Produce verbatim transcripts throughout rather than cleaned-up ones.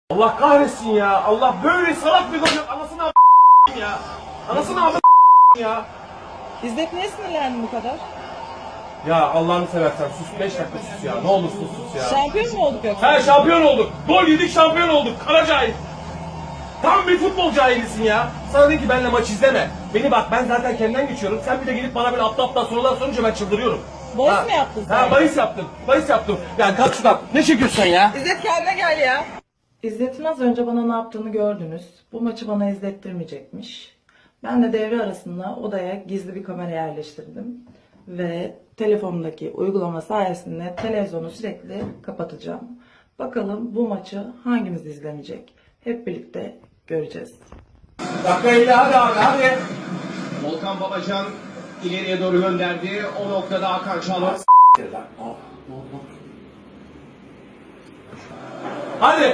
Allah kahretsin ya. Allah böyle salak bir gol. Anasını a** ya. Anasını a** ya. İzzet niye sinirlendin bu kadar? Ya Allah'ını seversen sus, beş dakika sus ya. Ne olursun sus ya. Şampiyon mu olduk yoksa? He, şampiyon olduk. Gol yedik, şampiyon olduk. Kara cahil. Tam bir futbol cahilisin ya. Sana dedim ki benimle maç izleme. Beni bak, ben zaten kendimden geçiyorum. Sen bir de gelip bana böyle aptal aptal sorular sorunca ben çıldırıyorum. Bahis Ha. mi yaptın sen? Ha, bahis yaptım. Bahis yaptım. Ya kalk şuradan. Ne çekiyorsun sen ya? İzzet kendine gel ya. İzzet'in az önce bana ne yaptığını gördünüz. Bu maçı bana izlettirmeyecekmiş. Ben de devre arasında odaya gizli bir kamera yerleştirdim. Ve telefonumdaki uygulama sayesinde televizyonu sürekli kapatacağım. Bakalım bu maçı hangimiz izlemeyecek? Hep birlikte göreceğiz. Dakika ile hadi abi hadi. Volkan Babacan ileriye doğru gönderdi. O noktada Hakan Çalhanoğlu. Hadi.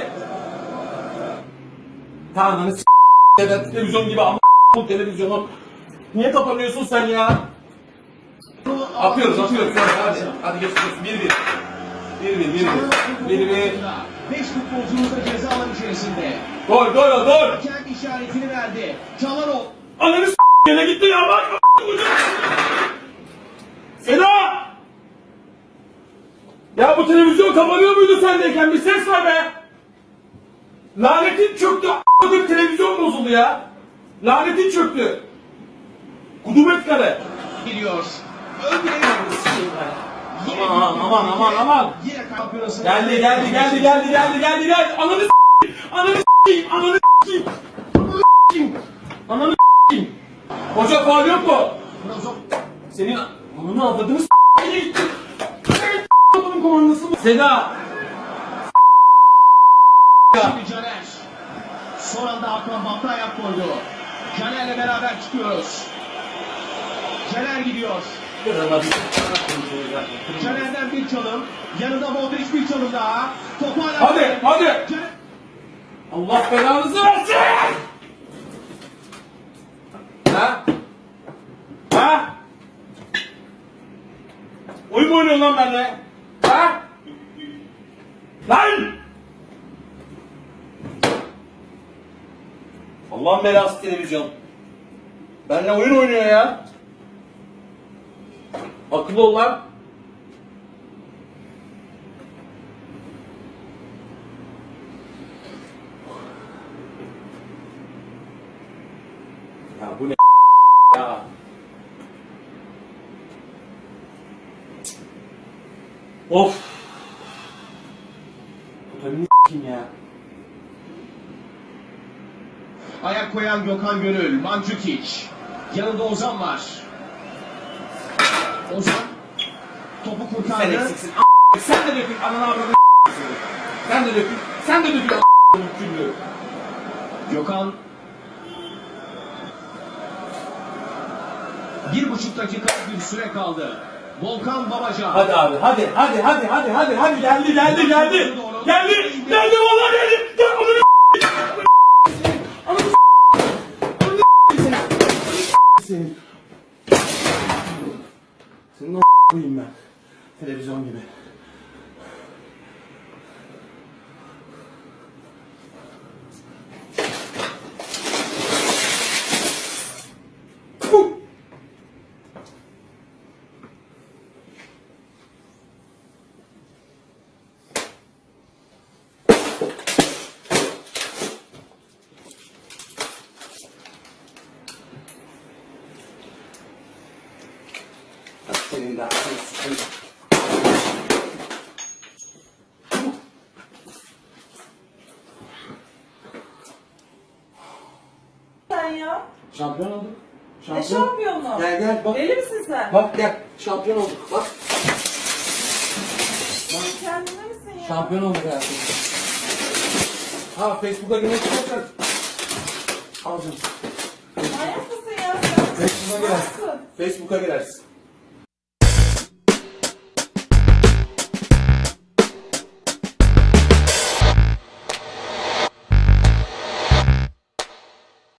Tamam s*** evet, televizyon gibi ama bu televizyonu. Niye kapanıyorsun sen ya? Atıyoruz atıyoruz hadi. Hadi geçiyoruz. bir bir. bir bir bir bir. bir bir. beş futbolcumuz da ceza alanı içerisinde. Gol gol gol. Kendi işaretini verdi. Çalhanoğlu. Ananı s*** yine gitti ya bak. Seda! Ya bu televizyon kapanıyor muydu sendeyken? Bir ses var be! Lanetin çöktü, a**ladım televizyon bozuldu ya! Lanetin çöktü! Kudumet kare! Geliyor. Ön direğe Aman aman aman aman! Yine kampiyonası. Geldi geldi geldi geldi geldi geldi geldi! Ananı s***yim! Ananı s***yim! Ananı s***yim! Ananı s***yim! Ananı s***yim! Hoca faul yok mu? Senin ananı avladığını s***ye gitti! Bunun komandası mı? Seda! Şimdi Caner. Son anda Hakan Batı ayak koydu. Caner'le beraber çıkıyoruz. Caner gidiyor. Caner'den bir çalım. Yanında Modric bir çalım daha. Topu hala... Hadi hadi! Caner... Allah belanızı versin! Ha? Ha? Oyun mu oynuyorsun lan benimle? Ha? Lan! Allah'ın belası televizyon. Benimle oyun oynuyor ya. Akıllı ol lan. Ya bu ne ya? Of. Totalini s**eyim ya. Ayak koyan Gökhan Gönül, Mandzukic. Yanında Ozan var. Ozan topu Sen kurtardı. eksiksin. A**. Sen de dökün. Ananı avradını s**eyim. Sen de dökün. Sen de dökün. A**. Küllü. Gökhan bir buçuk dakika bir süre kaldı. Volkan Babacan. Hadi abi hadi hadi hadi hadi hadi hadi geldi geldi geldi. Geldi geldi vallahi geldi. Gel onu Ananı senin. Senin o koyayım ben. Televizyon gibi. Senin de haklısın. Sen ya. Şampiyon olduk. Ne şampiyonu? Gel gel bak. Deli misin sen? Bak gel. Şampiyon olduk. Bak. Kendine misin ya? Şampiyon olduk hayatım. Ha Facebook'a girmek istersen. Al canım. Manyak mısın ya sen? Facebook'a girersin. Nasıl? Facebook'a girersin.